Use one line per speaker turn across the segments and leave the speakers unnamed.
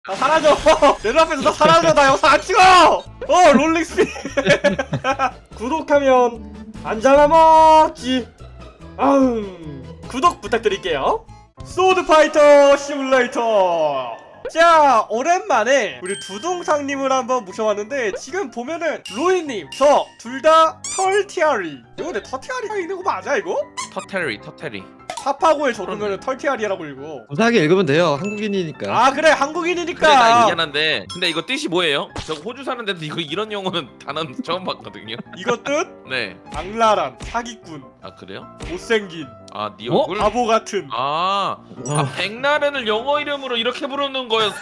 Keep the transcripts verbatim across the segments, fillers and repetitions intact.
나 사라져. 내 눈앞에서 나 사라져. 나 영상 안 찍어. 어 롤링스피. 구독하면 안 잡아먹지. 아우 구독 부탁드릴게요. 소드파이터 시뮬레이터. 자 오랜만에 우리 두둥상님을 한번 모셔왔는데 지금 보면은 로이님 저 둘 다 털티아리. 이거 내 털티아리가 읽는 거 맞아 이거?
터테리 터테리.
파파고에 적으면 털티아리라고 읽어.
무사하게 읽으면 돼요. 한국인이니까.
아 그래 한국인이니까.
근데 나 미안한데 근데 이거 뜻이 뭐예요? 저 호주 사는데도 이거 이런 용어는 단어는 처음 봤거든요.
이거 뜻?
네.
악랄한 사기꾼
아 그래요?
못생긴
아 니 얼굴?
바보 같은.
아, 아 백나른을 영어 이름으로 이렇게 부르는 거였어?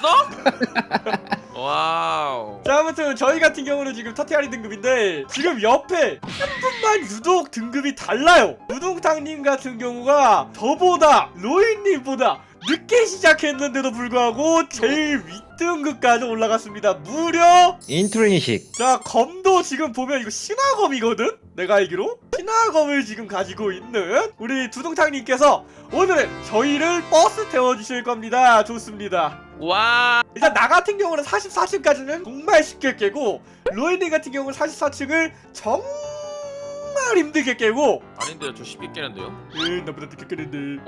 와우.
자 아무튼 저희 같은 경우는 지금 터티아리 등급인데 지금 옆에 한 분만 유독 등급이 달라요. 우둥탕님 같은 경우가 저보다 로이님보다 늦게 시작했는데도 불구하고 제일 윗등급까지 올라갔습니다. 무려
인트로니식.
자 검도 지금 보면 이거 신화검이거든? 내가 알기로 신화검을 지금 가지고 있는 우리 두둥탕님께서 오늘은 저희를 버스 태워주실 겁니다. 좋습니다.
와.
일단 나 같은 경우는 사십사 층까지는 정말 쉽게 깨고 로이님 같은 경우는 사십사 층을 정말 힘들게 깨고
아닌데요, 저 쉽게 깨는데요.
에 나보다 늦게 깨는데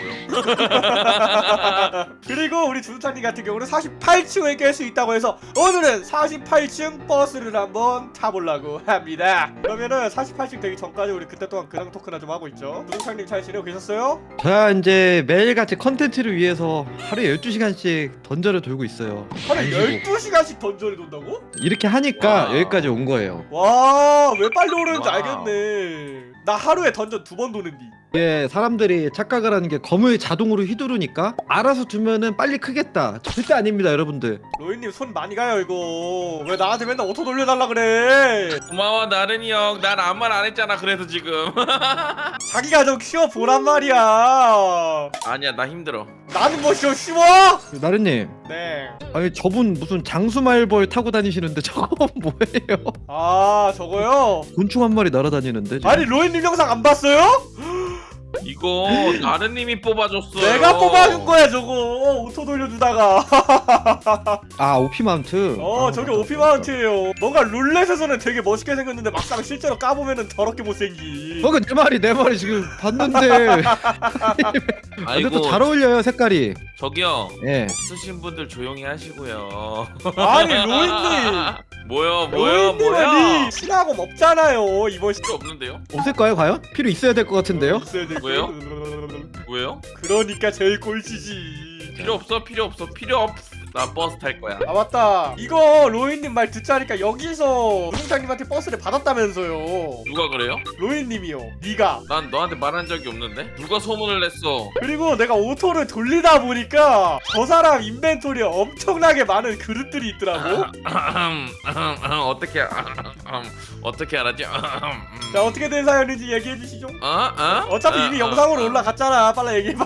어쩌라고요?
그리고 우리 주루타님 같은 경우는 사십팔 층을 깰 수 있다고 해서 오늘은 사십팔 층 버스를 한번 타보려고 합니다. 그러면은 사십팔 층 되기 전까지 우리 그때 동안 근황 토크나 좀 하고 있죠. 주루타님 잘 지내고 계셨어요?
자 이제 매일같이 컨텐츠를 위해서 하루에 열두 시간씩 던전을 돌고 있어요.
하루에
안 쉬고.
열두 시간씩 던전을 돈다고?
이렇게 하니까
와우.
여기까지 온 거예요.
와, 왜 빨리 오르는지
와우.
알겠네. 나 하루에 던전 두 번 도는디.
이게 사람들이 착각을 하는 게 검을 자동으로 휘두르니까 알아서 두면은 빨리 크겠다. 절대 아닙니다 여러분들.
로이님 손 많이 가요 이거. 왜 나한테 맨날 오토 돌려달라 그래.
고마워 나른이 형. 난 아무 말 안 했잖아. 그래서 지금.
자기가 좀 쉬어보란 말이야.
아니야 나 힘들어.
나는 뭐 좀 쉬워?
나른님,
네.
아니 저분 무슨 장수말벌 타고 다니시는데 저건 뭐예요?
아 저거요?
곤충 한 마리 날아다니는데 지금?
아니 로이님 영상 안 봤어요?
이거 나른님이 뽑아줬어.
내가 뽑아준 거야 저거. 오토 돌려주다가.
아 오피 마운트.
어
아,
저게
맞다,
오피
맞다.
마운트예요. 뭔가 룰렛에서는 되게 멋있게 생겼는데 막상 실제로 까보면은 더럽게 못생기.
어, 그내 말이 내 말이 지금 봤는데.
아이고
근데 또 잘 어울려요 색깔이.
저기요.
예.
쓰신 분들 조용히 하시고요.
아니 로이님.
뭐요 뭐요
로이님은
뭐야?
신하고 없잖아요 이번 시.
필요 없는데요?
없을까요 과연? 필요 있어야 될 것 같은데요?
있어야 될
왜요?
거예요.
왜요?
그러니까 제일 꼴찌지.
필요 없어 필요 없어 필요 없. 나 버스 탈 거야.
아 맞다. 이거 로이님 말 듣자니까 여기서 우승장님한테 버스를 받았다면서요.
누가 그래요?
로이님이요. 네가.
난 너한테 말한 적이 없는데? 누가 소문을 냈어?
그리고 내가 오토를 돌리다 보니까 저 사람 인벤토리에 엄청나게 많은 그릇들이 있더라고.
어떻게 어떻게 알았지?
자 어떻게 된 사연인지 얘기해 주시죠.
어? 어?
어차피 이미 영상으로 올라갔잖아. 빨리 얘기해봐.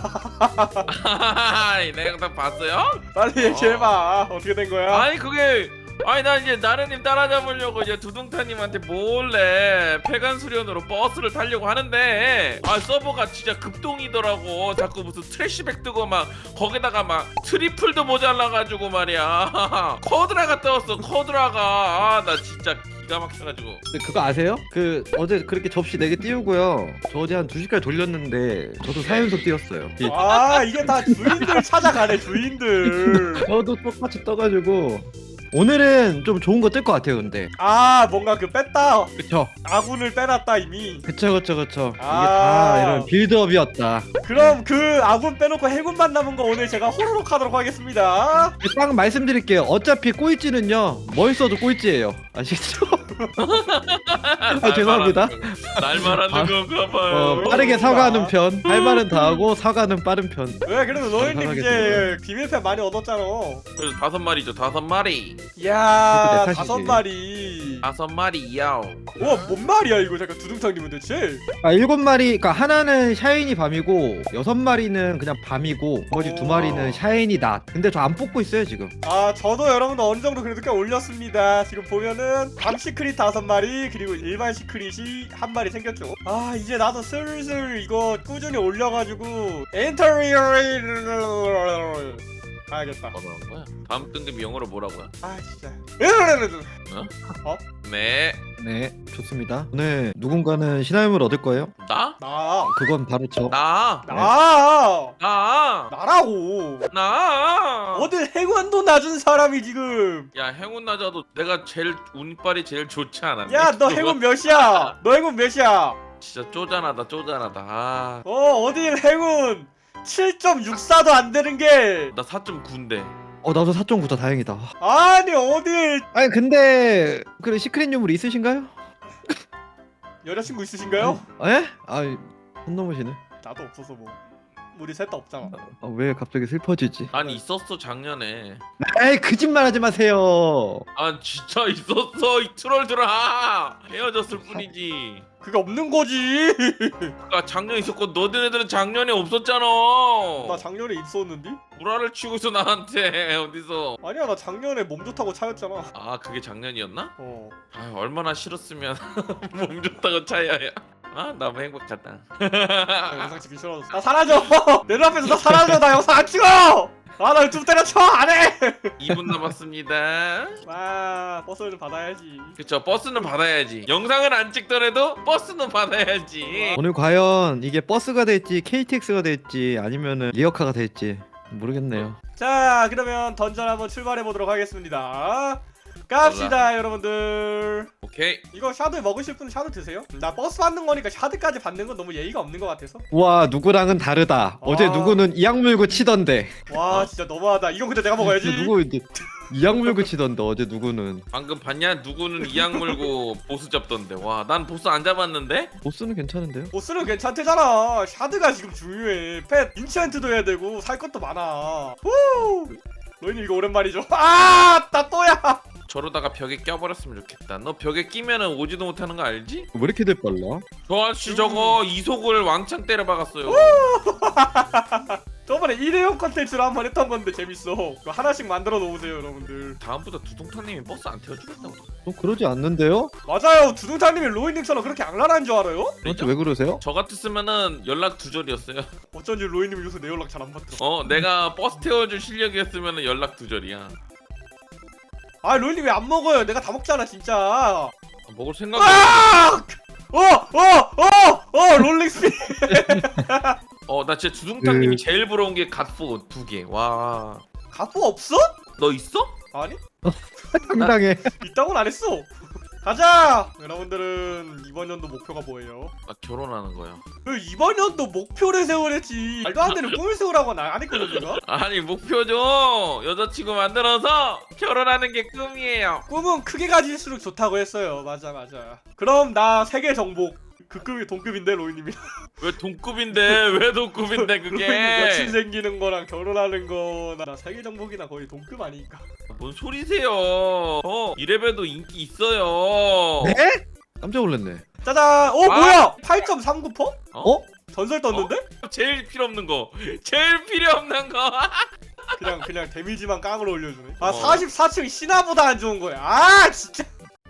내 영상 봤어요?
빨리 얘기해봐. 어떻게 된 거야?
아니 그게 아니 나 이제 나르님 따라잡으려고 이제 두둥타님한테 몰래 폐간 수련으로 버스를 타려고 하는데 아 서버가 진짜 급동이더라고. 자꾸 무슨 트래시백 뜨고 막 거기다가 막 트리플도 모자라가지고 말이야. 커드라가 떴어 커드라가. 아 나 진짜 기가 막혀가지고.
근데 그거 아세요? 그 어제 그렇게 접시 네 개 띄우고요. 저 어제 한 두 시까지 돌렸는데 저도 사 연속 띄웠어요. 이-
아 이게 다 주인들 찾아가네 주인들.
저도 똑같이 떠가지고 오늘은 좀 좋은 거 뜰 것 같아요. 근데
아 뭔가 그 뺐다.
그쵸?
아군을 빼놨다 이미.
그쵸 그쵸 그쵸. 이게
아.
다 이런 빌드업이었다.
그럼 그 아군 빼놓고 해군만 남은 거 오늘 제가 호로록 하도록 하겠습니다.
딱 말씀드릴게요. 어차피 꼴찌는요 뭘 써도 꼴찌예요. 아시겠죠? 아, 죄송합니다.
날 말하는
아,
건가 봐요.
어, 빠르게 사과하는 편. 할 말은 다 하고 사과는 빠른 편.
왜 그래도 너희님 이제
감사하겠습니다.
비밀편 많이 얻었잖아.
그래서 다섯 마리죠 다섯 마리.
이야
그때
다섯
탓이지.
마리.
다섯 마리 야오.
와뭔 말이야 이거. 잠깐 두둥탕님은 대체.
아 일곱 마리. 그러니까 하나는 샤이니 밤이고 여섯 마리는 그냥 밤이고 나머지 두
오.
마리는 샤이니 낮. 근데 저 안 뽑고 있어요 지금.
아 저도 여러분들 어느 정도 그래도 꽤 올렸습니다. 지금 보면은 밤 시크릿 다섯 마리 그리고 일반 시크릿이 한 마리 생겼죠. 아 이제 나도 슬슬 이거 꾸준히 올려가지고 엔터리어 가야겠다.
뭐라는 거야? 다음 등급 영어로 뭐라고요?
아 진짜.
네.
네, 좋습니다. 오늘 누군가는 신화임을 얻을 거예요.
나?
나.
그건 바로 저.
나?
나.
나?
나라고.
나?
어딜 행운도 낮은 사람이 지금.
야 행운 낮아도 내가 제일 운빨이 제일 좋지 않았니?
야 너 행운 몇이야? 너 행운 몇이야?
진짜 쪼잔하다 쪼잔하다. 아,
어 어딜 행운 칠 점 육사도 안 되는 게.
나 사 점 구인데.
어, 나도 사 점 구다 다행이다.
아니 어딜.
아니 근데 그래 시크릿 유물 있으신가요?
여자친구 있으신가요?
에? 아, 손 넘으시네.
나도 없어서 뭐. 우리 셋 다 없잖아.
아, 왜 갑자기 슬퍼지지?
아니 있었어 작년에.
에이, 거짓말하지 마세요.
아 진짜 있었어 이 트롤들아. 헤어졌을 뿐이지.
그게 없는 거지.
아 작년 있었고 너희들은 작년에 없었잖아.
나 작년에 있었는데?
구라를 치고 있어 나한테 어디서.
아니야 나 작년에 몸 좋다고 차였잖아.
아 그게 작년이었나?
어.
아 얼마나 싫었으면 몸 좋다고 차야야. 아 너무 행복하다.
나 영상 찍기 싫어졌어. 나 사라져. 내 눈앞에서 나 사라져. 나 영상 안 찍어. 아 나 유튜브 때려쳐 안 해.
이 분 남았습니다.
아 버스를 받아야지.
그쵸 버스는 받아야지. 영상을 안 찍더라도 버스는 받아야지.
오늘 과연 이게 버스가 될지 케이티엑스가 될지 아니면은 리어카가 될지 모르겠네요.
자 그러면 던전 한번 출발해 보도록 하겠습니다. 갑시다 여러분들.
오케이.
이거 샤드 먹으실 분 샤드 드세요. 나 버스 받는 거니까 샤드까지 받는 건 너무 예의가 없는 것 같아서.
와, 누구랑은 다르다. 어제
아.
누구는 이악 물고 치던데.
와 진짜 너무하다. 이건 근데 내가 먹어야지.
누구 이제 이악 물고 치던데 어제 누구는.
방금 봤냐? 누구는 이악 물고 보스 잡던데. 와 난 보스 안 잡았는데?
보스는 괜찮은데요?
보스는 괜찮대잖아. 샤드가 지금 중요해. 펫 인챈트도 해야 되고 살 것도 많아. 후. 너희는 이거 오랜만이죠. 아, 나 또야.
저러다가 벽에 껴버렸으면 좋겠다. 너 벽에 끼면은 오지도 못하는 거 알지?
왜 이렇게 될 빨라?
저 아저씨 저거 이속을 왕창 때려 박았어요.
저번에 일회용 컨텐츠로 한 번 했던 건데 재밌어. 그거 하나씩 만들어 놓으세요 여러분들.
다음부터 두둥탕님이 버스 안 태워주겠다고.
어, 그러지 않는데요?
맞아요. 두둥탕님이 로이님처럼 그렇게 악랄한 줄 알아요?
도대체 왜 그러세요?
저 같았으면은 연락 두절이었어요.
어쩐지 로이님 요새 내 연락 잘 안 받더라.
어 내가 버스 태워줄 실력이었으면은 연락 두절이야.
아 로이님 왜 안 먹어요? 내가 다 먹잖아 진짜.
먹을 생각이
아! 어! 어! 어! 어! 롤링스피.
어나 진짜 두둥탕님이
그-
제일 부러운 게 갓포 두 개. 와.
가포 없어?
너 있어?
아니?
당당해.
있다고는 안 했어. 가자. 여러분들은 이번 연도 목표가 뭐예요?
나 결혼하는 거야.
그 이번 연도 목표를 세우랬지. 말도 안 되는 꿈을 세우라고는 안 했거든 내가.
아니 목표죠. 여자친구 만들어서 결혼하는 게 꿈이에요.
꿈은 크게 가질수록 좋다고 했어요. 맞아 맞아. 그럼 나 세계 정복. 그 급이 동급인데 로이님이.
왜 동급인데 왜 동급인데
로이님 여친
그게?
생기는 거랑 결혼하는 거나 나 세계 정복이나 거의 동급 아니니까.
뭔 소리세요? 어 이레벨도 인기 있어요.
네? 깜짝 놀랐네.
짜잔. 어
아.
뭐야? 팔 점 삼구 퍼?
어?
전설 떴는데?
제일 필요 없는 거. 제일 필요 없는 거.
그냥 그냥 데미지만 깡으로 올려주네. 아
어.
사십사 층 신화보다 안 좋은 거야. 아 진짜.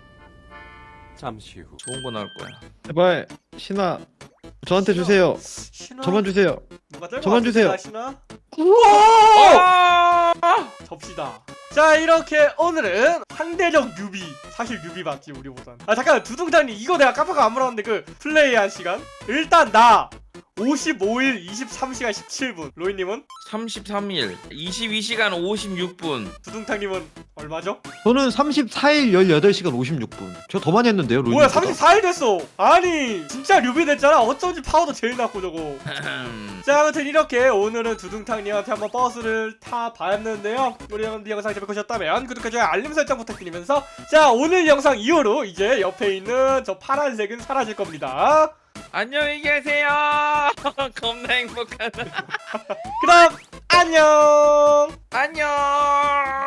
잠시 후 좋은 거 나올 거야.
제발 신화 저한테 주세요.
신화.
저만 주세요.
누가 뜰
저만
것
주세요.
같습니다, 신화.
우와!
아!
접시다. 자 이렇게 오늘은 상대적 뉴비. 사실 뉴비 맞지 우리보단. 아 잠깐 두둥장님 이거 내가 깜빡 안 물어봤는데 그 플레이한 시간? 일단 나 오십오 일 이십삼 시간 십칠 분. 로이님은?
삼십삼 일 이십이 시간 오십육 분.
두둥탕님은 얼마죠?
저는 삼십사 일 열여덟 시간 오십육 분. 저 더 많이 했는데요, 로이.
뭐야 삼십사 일 됐어. 아니 진짜 뉴비 됐잖아. 어쩐지 파워도 제일 낮고 저거. 자 아무튼 이렇게 오늘은 두둥탕님한테 한번 버스를 타봤는데요. 우리 여러분들 영상 재밌게 보셨다면 구독과 좋아요 알림 설정 부탁드리면서 자 오늘 영상 이후로 이제 옆에 있는 저 파란색은 사라질 겁니다.
안녕히 계세요. 겁나 행복하다.
그럼 안녕.
안녕.